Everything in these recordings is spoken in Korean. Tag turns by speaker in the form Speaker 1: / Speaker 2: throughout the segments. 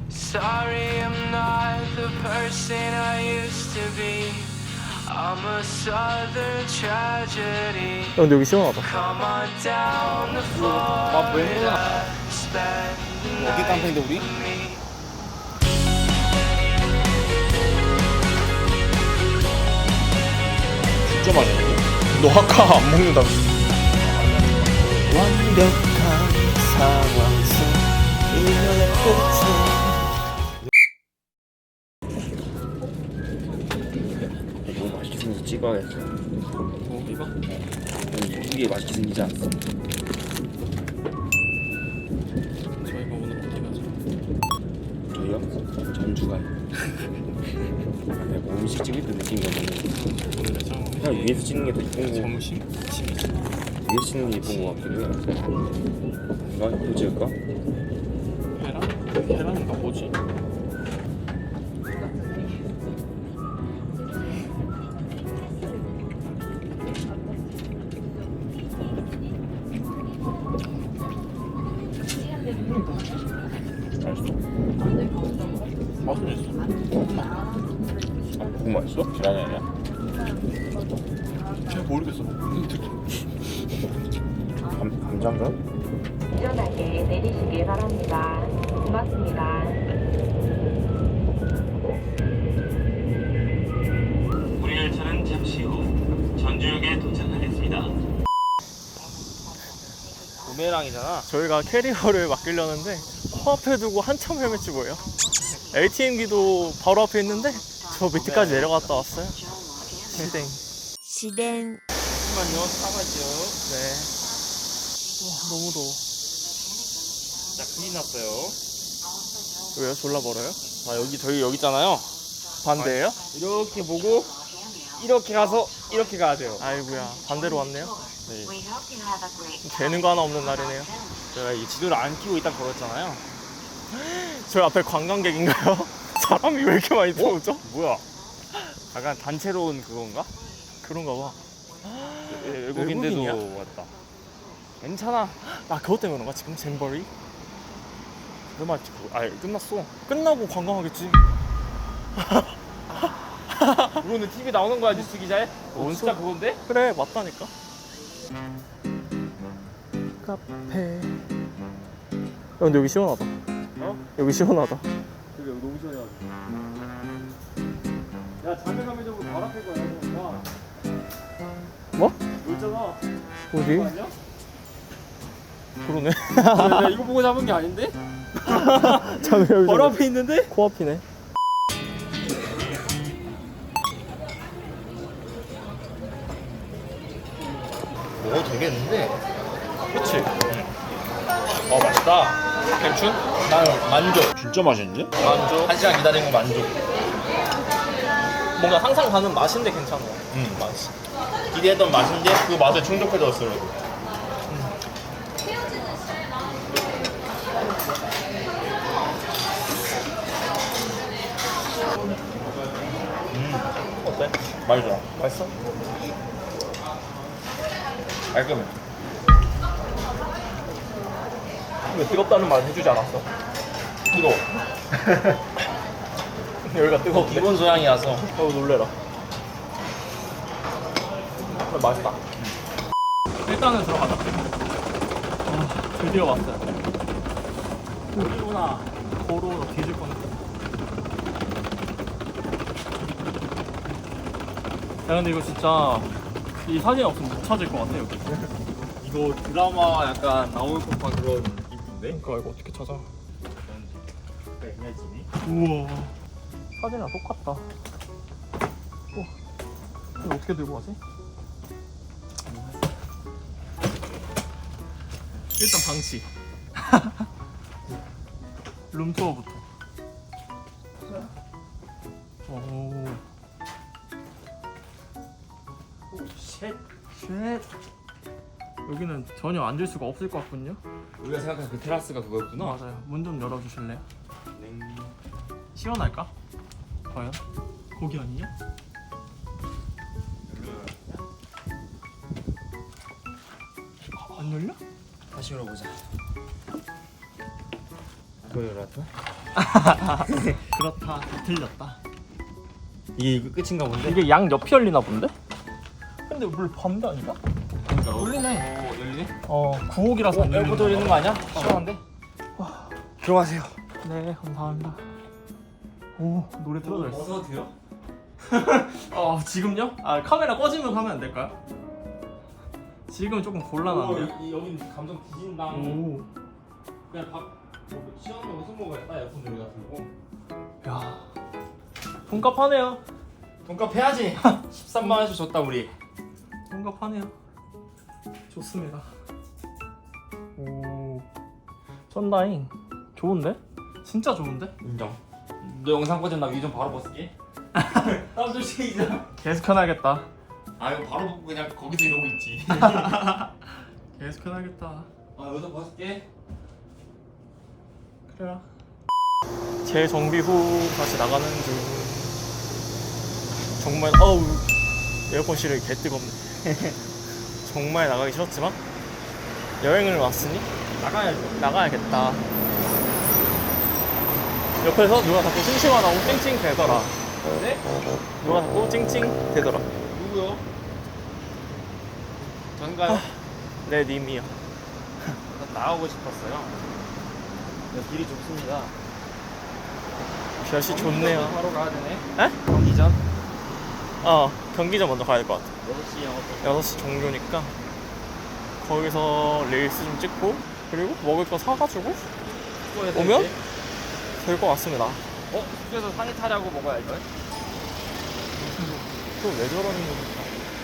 Speaker 1: Sorry, I'm not the person I used to be. I'm a southern tragedy.
Speaker 2: 근데 여기 시원하다.
Speaker 1: Come on down the Florida. Spend the
Speaker 3: 어디 깡패인데 우리?
Speaker 1: night with me.
Speaker 3: 진짜 맛있는데?
Speaker 2: 너 아까 안 먹는다고.
Speaker 4: 완벽한 상황 속 이별의 끝에
Speaker 3: 너무 맛있게 생겨서 찍어야겠어.
Speaker 2: 이거?
Speaker 3: 이게 맛있게 생기지 않았어?
Speaker 2: 저희가 오늘 어디 가죠?
Speaker 3: 저희요? 전주가요. 뭐 음식 찍을 때 느낀 거는
Speaker 2: 오늘의 점
Speaker 3: 그냥 위에서 찍는 게 더 이쁜 거.
Speaker 2: 점심?
Speaker 3: 위에서 찍는 게 이쁜 거 같기도 해요. 뭔가 이거 찍을까?
Speaker 2: 계란? 계란인가 뭐지? 맛은 있어.
Speaker 3: 그거 맛있어? 계란이 아니야?
Speaker 2: 잘 모르겠어.
Speaker 3: 감자인가?
Speaker 5: 안전하게 내리시길 바랍니다. 고맙습니다.
Speaker 6: 우리 열차는 잠시 후 전주역에 도착하겠습니다.
Speaker 3: 부메랑이잖아.
Speaker 2: 저희가 캐리어를 맡기려는데 코앞에 두고 한참 헤맸지 뭐예요. ATM기도 바로 앞에 있는데 저 밑에까지 내려갔다 왔어요. 시댕.
Speaker 5: 시댕.
Speaker 3: 잠깐만요. 사과죠.
Speaker 2: 네. 와 너무 더워.
Speaker 3: 자, 큰일 났어요.
Speaker 2: 왜요? 졸라 멀어요?
Speaker 3: 아, 저희 여기 있잖아요.
Speaker 2: 반대예요?
Speaker 3: 이렇게 보고 이렇게 가서 이렇게 가야 돼요.
Speaker 2: 아이고야 반대로 왔네요.
Speaker 3: 네.
Speaker 2: 되는 거 하나 없는 날이네요.
Speaker 3: 제가 이 지도를 안 켜고 일단 걸었잖아요.
Speaker 2: 저희 앞에 관광객인가요? 사람이 왜 이렇게 많이 들어오죠?
Speaker 3: 뭐야? 약간 단체로 온 그건가?
Speaker 2: 그런가 봐.
Speaker 3: 외국인데도
Speaker 2: 외국인이야?
Speaker 3: 왔다. 괜찮아.
Speaker 2: 아 그것 때문에 그런가 지금 잼버리?
Speaker 3: 얼마 찍고? 아, 끝났어.
Speaker 2: 끝나고 관광하겠지.
Speaker 3: 그거는 TV 나오는 거야, 뉴스 기자에? 진짜 그건데?
Speaker 2: 그래 맞다니까. 카페. 근데 여기 시원하다.
Speaker 3: 어?
Speaker 2: 여기 시원하다.
Speaker 3: 그게 너무 시원해가지고. 야, 자매감회적으로 바로 앞에 거야. 와.
Speaker 2: 뭐?
Speaker 3: 너 있잖아.
Speaker 2: 어디?
Speaker 3: 그거 아니야?
Speaker 2: 그러네.
Speaker 3: 내가 이거 보고 잡은 게 아닌데?
Speaker 2: 참 여기
Speaker 3: 바로 앞에 있는데?
Speaker 2: 코앞이네.
Speaker 3: 먹어도 되겠는데?
Speaker 2: 그치?
Speaker 3: 맛있다.
Speaker 2: 괜춘?
Speaker 3: 난 만족. 진짜 맛있는데?
Speaker 2: 만족.
Speaker 3: 1시간 기다린 거 만족.
Speaker 2: 뭔가 항상 가는 맛인데 괜찮아.
Speaker 3: 맛있어. 기대했던 맛인데 그 맛에 충족해졌어, 그래도.
Speaker 2: 어때?
Speaker 3: 맛있어.
Speaker 2: 맛있어?
Speaker 3: 깔끔해.
Speaker 2: 왜 뜨겁다는 말 해주지 않았어?
Speaker 3: 뜨거워.
Speaker 2: 여기가 뜨거운데?
Speaker 3: 기본 소양이라서.
Speaker 2: 놀래라. 그래, 맛있다. 일단은 들어가자. 드디어 왔어요. 고리구나. 고로 너 뒤질 뻔했어. 야 근데 이거 진짜 이 사진 없으면 못 찾을 것 같아 여기.
Speaker 3: 이거 드라마 약간 나올 법한 그런 이쁜데?
Speaker 2: 그러니까 이거 어떻게 찾아?
Speaker 3: 애매지니?
Speaker 2: 우와. 사진이랑 똑같다. 우와. 이거 어떻게 들고 가지? 일단 방치. 룸투어부터. 오.
Speaker 3: 쉣.
Speaker 2: 쉣. 여기는 전혀 앉을 수가 없을 것 같군요.
Speaker 3: 우리가 생각한 그 테라스가 그거였구나.
Speaker 2: 맞아요. 문 좀 열어주실래요? 시원할까? 과연? 거기 아니냐? 안 열려?
Speaker 3: 다시 열어보자. 그거 열었다?
Speaker 2: 그렇다. 틀렸다.
Speaker 3: 이게 끝인가 본데?
Speaker 2: 이게 양 옆이 열리나 본데? 근데 물 반대 아닌가?
Speaker 3: 열리네. 열리네?
Speaker 2: 9옥이라서 안
Speaker 3: 에어컨 돌리는 거 아니야? 시원한데? 들어가세요.
Speaker 2: 네, 감사합니다. 오, 노래 틀어져 있어.
Speaker 3: 어서 돼요?
Speaker 2: 지금요? 카메라 꺼지면 하면 안 될까요? 지금 조금 곤란한데.
Speaker 3: 여기 감정 뒤진다.
Speaker 2: 오,
Speaker 3: 그냥 시원한 거 무슨 먹어야겠다. 에어컨 돌리 같은 거.
Speaker 2: 야, 돈값 하네요.
Speaker 3: 돈값 해야지. 13만 원에서 줬다 우리.
Speaker 2: 돈값 하네요. 좋습니다. 오, 쩐다잉. 좋은데? 진짜 좋은데?
Speaker 3: 인정. 너 영상 꺼지면 나 위 좀 바로 벗을게. 땀 좀 쉬자.
Speaker 2: 계속 켜놔야겠다.
Speaker 3: 아 이거 바로 벗고 그냥 거기서 이러고 있지.
Speaker 2: 계속 켜놔야겠다.
Speaker 3: 여기서 벗을게.
Speaker 2: 그래라. 재정비 후 다시 나가는 중. 정말 에어컨실이 개 뜨겁네. 정말 나가기 싫었지만 여행을 왔으니 나가야겠다. 옆에서 누가 자꾸 심심하다고 찡찡 대더라.
Speaker 3: 네?
Speaker 2: 누가 자꾸 찡찡 대더라.
Speaker 3: 누구요? 전가요?
Speaker 2: 네, 님이요.
Speaker 3: 나가고 싶었어요. 길이 좁습니다.
Speaker 2: 날씨 좋네요.
Speaker 3: 바로 가야 되네.
Speaker 2: 에?
Speaker 3: 경기전?
Speaker 2: 경기장 먼저 가야 될 것 같아.
Speaker 3: 6시 영업.
Speaker 2: 6시 종료니까 거기서 릴스 좀 찍고 그리고 먹을 거 사가지고 오면 될 것 같습니다.
Speaker 3: 숙소에서 상의 타려고 먹어야 할 걸?
Speaker 2: 또 왜 저러는 거지?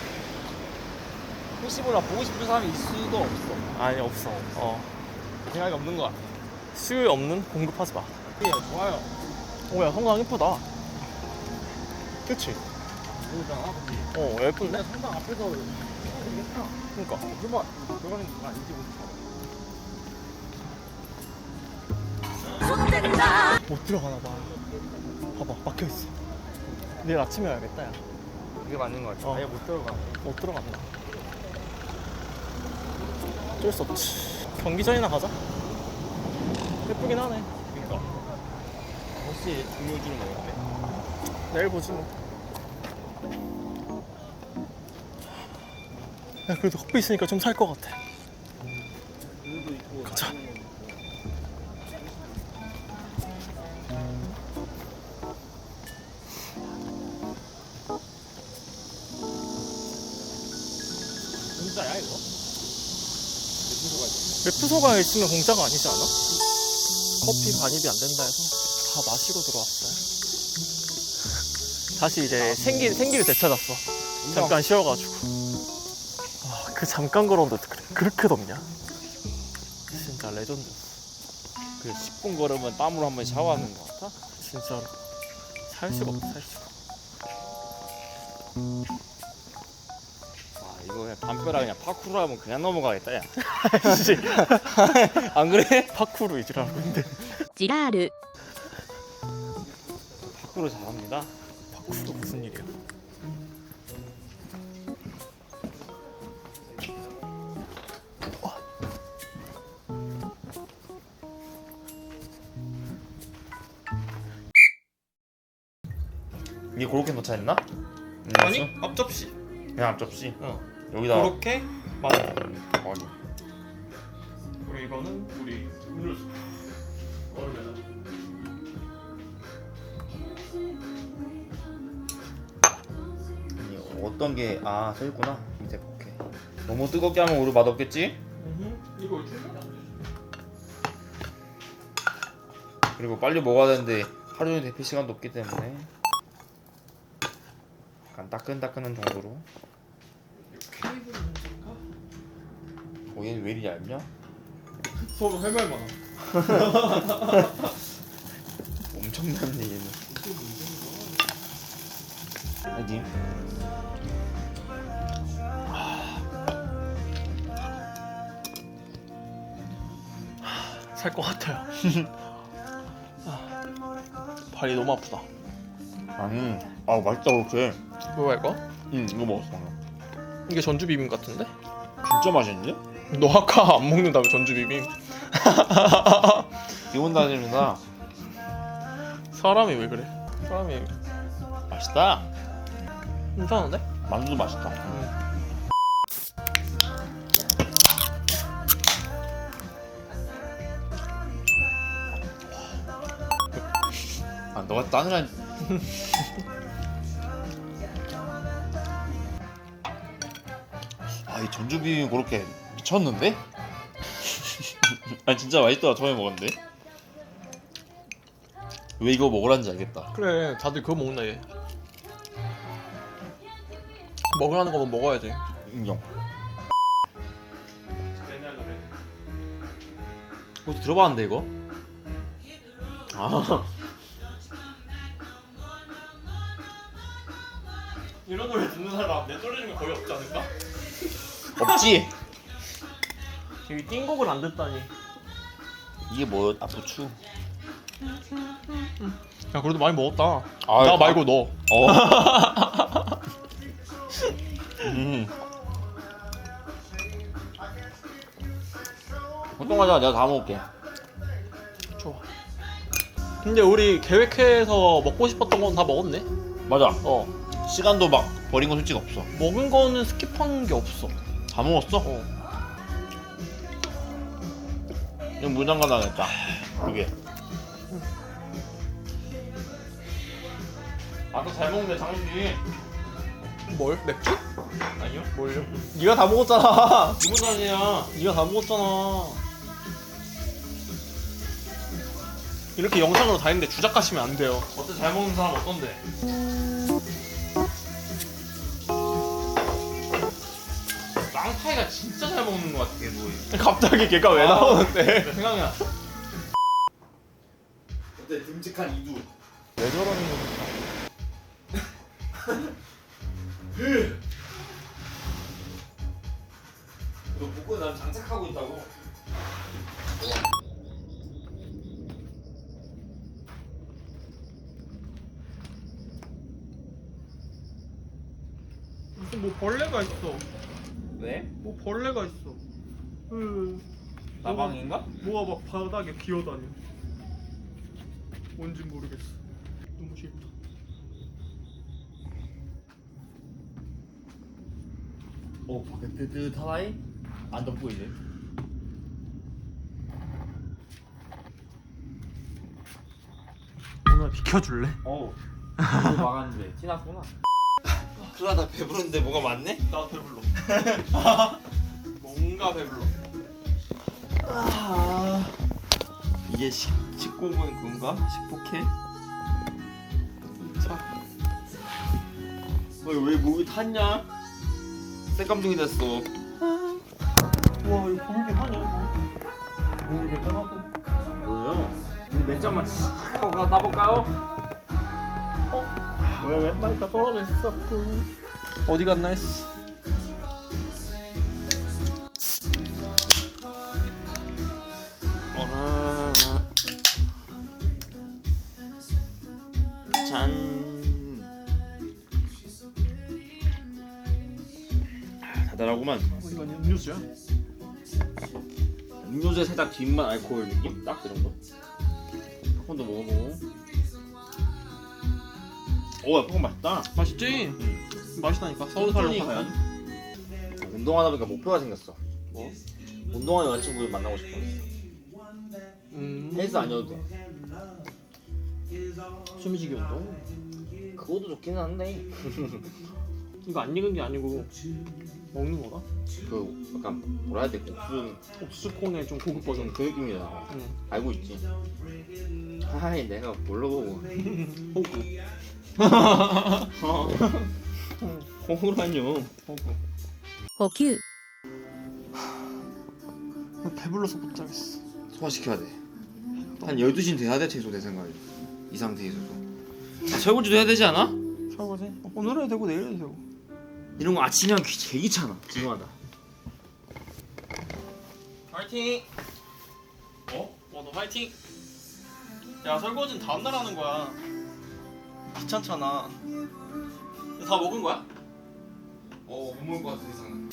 Speaker 3: 혹시 몰라 보고 싶은 사람이 있을 수도 없어.
Speaker 2: 아니 없어.
Speaker 3: 생각이 없는 것 같아.
Speaker 2: 수요일 없는 공급하지 마.
Speaker 3: 예, 좋아요.
Speaker 2: 오야 성당 예쁘다. 그치?
Speaker 3: 그러잖아.
Speaker 2: 예쁜데?
Speaker 3: 성당 앞에서 되겠다.
Speaker 2: 그니까.
Speaker 3: 설마 들어가는 거 아닌지 모르겠어.
Speaker 2: 못 들어가나 봐. 봐봐 막혀있어. 내일 아침에 와야겠다 야.
Speaker 3: 그게 맞는 것 같아. 아예 못 들어가.
Speaker 2: 못 들어간다. 어쩔 수 없지. 경기전이나 가자. 예쁘긴 하네.
Speaker 3: 그러니까. 혹시 중요주는 먹었대?
Speaker 2: 내일 보지 뭐. 야 그래도 커피 있으니까 좀 살 것 같아. 가자.
Speaker 3: 진짜야 이거?
Speaker 2: 맵프소가 있으면 공짜가 아니지 않아? 커피 반입이 안 된다 해서 다 마시고 들어왔어요. 다시 이제 생기를 되찾았어. 잠깐 쉬어가지고. 그 잠깐 걸었는데 그렇게 덥냐? 진짜 레전드.
Speaker 3: 그 10분 걸으면 땀으로 한번 샤워하는 것 같아?
Speaker 2: 진짜로 살 수가 없어 살 수가.
Speaker 3: 이거 그냥 담벼락 그냥 파쿠르 하면 그냥 넘어가겠다 야.
Speaker 2: 씨,
Speaker 3: 안 그래?
Speaker 2: 파쿠르 이지라고 근데
Speaker 5: ジラール
Speaker 3: 파쿠르 잘합니다.
Speaker 2: 파쿠르 무슨 일이야?
Speaker 3: 이게 그렇게 넣자했나?
Speaker 2: 아니 앞접시.
Speaker 3: 그냥 앞접시. 여기다.
Speaker 2: 그렇게 맞아.
Speaker 3: 아니.
Speaker 2: 그리고 이거는 우리 음료수. 얼음에다.
Speaker 3: 어떤 게 써있구나 밑에. 오케이. 너무 뜨겁게 하면 우리 맛없겠지?
Speaker 2: 이거 충분히 안 돼.
Speaker 3: 그리고 빨리 먹어야 되는데 하루 종일 대피 시간도 없기 때문에 약간 따끈따끈한 정도로.
Speaker 2: 케이블 문제인가?
Speaker 3: 얘는 왜 이리 얇냐?
Speaker 2: 서로 할 말 많아.
Speaker 3: 엄청난 얘는. 아니.
Speaker 2: 살 것 같아요. 발이 너무 아프다.
Speaker 3: 아니. 맛있다 그렇게.
Speaker 2: 뭐야 이거?
Speaker 3: 이거 먹었어.
Speaker 2: 이게 전주 비빔 같은데?
Speaker 3: 진짜 맛있는데?
Speaker 2: 너 아까 안 먹는다며 전주 비빔?
Speaker 3: 기분 다집니다.
Speaker 2: 사람이 왜 그래? 사람이
Speaker 3: 맛있다.
Speaker 2: 괜찮은데?
Speaker 3: 만두도 맛있다. 아, 너가 따느라. 아, 이 전주 비빔 그렇게 미쳤는데? 아니 진짜 맛있더라. 처음에 먹었는데. 왜 이거 먹으라는지 알겠다.
Speaker 2: 그래 다들 그거 먹나 얘. 먹으라는 거면 먹어야지.
Speaker 3: 인정. 혹시 들어봤는데 이거? 아,
Speaker 2: 이런 노래 듣는 사람 내 노래 중에 거의 없지 않을까?
Speaker 3: 없지.
Speaker 2: 이 띵곡을 안 듣다니.
Speaker 3: 이게 뭐야? 아, 부추.
Speaker 2: 야 그래도 많이 먹었다.
Speaker 3: 아,
Speaker 2: 나 말고 너.
Speaker 3: 걱정하지 마. 내가 다 먹을게.
Speaker 2: 좋아. 근데 우리 계획해서 먹고 싶었던 건 다 먹었네.
Speaker 3: 맞아.
Speaker 2: 어.
Speaker 3: 시간도 막 버린 건 솔직히 없어.
Speaker 2: 먹은 거는 스킵한 게 없어.
Speaker 3: 다 먹었어?
Speaker 2: 어.
Speaker 3: 이건 물장갑 나겠다. 그게. 아까 잘 먹네 장식이.
Speaker 2: 뭘? 맥주?
Speaker 3: 아니요?
Speaker 2: 뭘요? 네가 다 먹었잖아.
Speaker 3: 이거 아니야.
Speaker 2: 네가 다 먹었잖아. 이렇게 영상으로 다 했는데 주작하시면 안 돼요.
Speaker 3: 어때? 잘 먹는 사람 어떤데? 쌍타이가 진짜 잘 먹는 것 같아. 걔도.
Speaker 2: 갑자기 걔가 왜 나오는데?
Speaker 3: 생각이 나. 어때? 듬직한 이두.
Speaker 2: 왜 저러는 거야?
Speaker 3: 너 복근 난 장착하고 있다고.
Speaker 2: 무슨 뭐 벌레가 있어.
Speaker 3: 왜?
Speaker 2: 뭐 벌레가 있어.
Speaker 3: 나방인가?
Speaker 2: 뭐가 막 바닥에 기어다녀. 뭔지 모르겠어. 너무 싫다.
Speaker 3: 밖에 뜨뜻하다이? 안 덥고 이제.
Speaker 2: 오늘 비켜줄래?
Speaker 3: 어우. 이거 막았는데 티났구나. 그러다 배부른데 뭐가 많네?
Speaker 2: 나도 배불러. 뭔가 배불러.
Speaker 3: 이게 19분 그건가? 19K?
Speaker 2: 자,
Speaker 3: 왜 목이 탔냐? 새감둥이 됐어.
Speaker 2: 와 이거 보이긴 하냐 이거. 오 괜찮하고.
Speaker 3: 뭐예요? 우리 몇 잔만 하고 따볼까요?
Speaker 2: 왜 왼발 다 떨어져 있어. 어디 갔나 했어.
Speaker 3: 짠. 달달하구만.
Speaker 2: 이건 음료수야.
Speaker 3: 음료수에 살짝 뒷맛 알코올 느낌? 딱 그 정도. 팝콘도 먹어보고. 오, 야, 팝콘 맛있다.
Speaker 2: 맛있지? 맛있다니까. 서울 살로
Speaker 3: 천천히
Speaker 2: 가면.
Speaker 3: 운동하다 보니까 목표가 생겼어.
Speaker 2: 뭐?
Speaker 3: 운동하는 여자친구를 만나고 싶어. 헬스 아니어도 돼.
Speaker 2: 숨쉬기 운동.
Speaker 3: 그것도 좋기는 한데.
Speaker 2: 이거 안 익은 게 아니고 먹는 거다.
Speaker 3: 그 약간 뭐라 해야 돼? 국수
Speaker 2: 옥수콘의 좀 고급 버전.
Speaker 3: 그 느낌이잖아.
Speaker 2: 응.
Speaker 3: 알고 있지. 하이 내가 뭘로 보고.
Speaker 2: 호구.
Speaker 3: 호구라뇨.
Speaker 2: 호구.
Speaker 5: 補給
Speaker 2: 배불러서 못 자겠어.
Speaker 3: 소화시켜야 돼. 한 12시는 돼야 돼 최소 내 생각에. 이 상태에서도. 설거지도 해야 되지 않아?
Speaker 2: 설거지? 오늘 해도 되고 내일 해도 되고.
Speaker 3: 이런 거 아침에 하면 되게 귀찮아. 지루하다.
Speaker 2: 화이팅! 어? 너 화이팅! 야 설거지는 다음날 하는 거야. 귀찮잖아. 다 먹은 거야?
Speaker 3: 못 먹을 것 같아 이상은.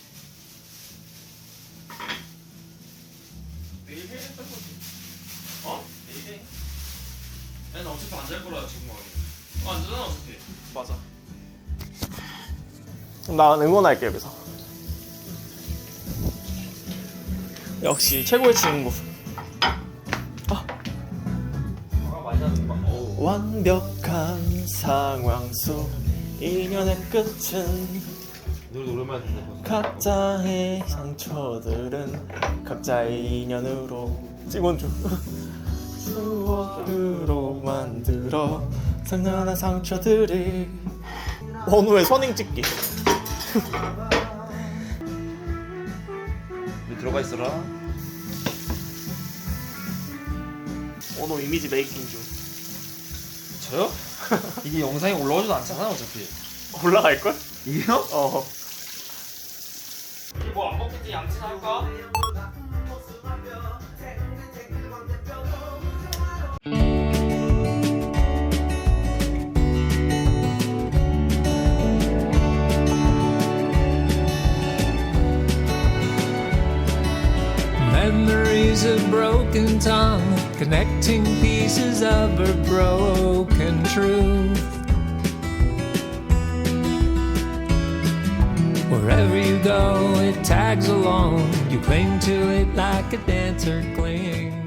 Speaker 2: 내일 해 설거지.
Speaker 3: 어? 아니 나 어차피 안 잘 거라 지금 안 되잖아 어차피.
Speaker 2: 맞아. 난 응원할게 여기서. 역시 최고의 친구.
Speaker 4: 완벽한 상황 속 인연의 끝은
Speaker 3: 노래 오랜만에 듣네.
Speaker 4: 각자의 상처들은 각자의 인연으로
Speaker 2: 찍어줘.
Speaker 4: 추억으로 만들어 상냥한 상처들이
Speaker 2: 원우의 선행 찍기.
Speaker 3: 우리 들어가 있어라.
Speaker 2: 원우 이미지 메이킹 중.
Speaker 3: 저요? 이게 영상에 올라오지도 않잖아 어차피.
Speaker 2: 올라갈걸?
Speaker 3: 이게요?
Speaker 2: 어.
Speaker 3: 뭐안 먹겠지 양치나 할까?
Speaker 1: Memories of broken tongue, connecting pieces of a broken truth. Wherever you go, it tags along. You cling to it like a dancer clings.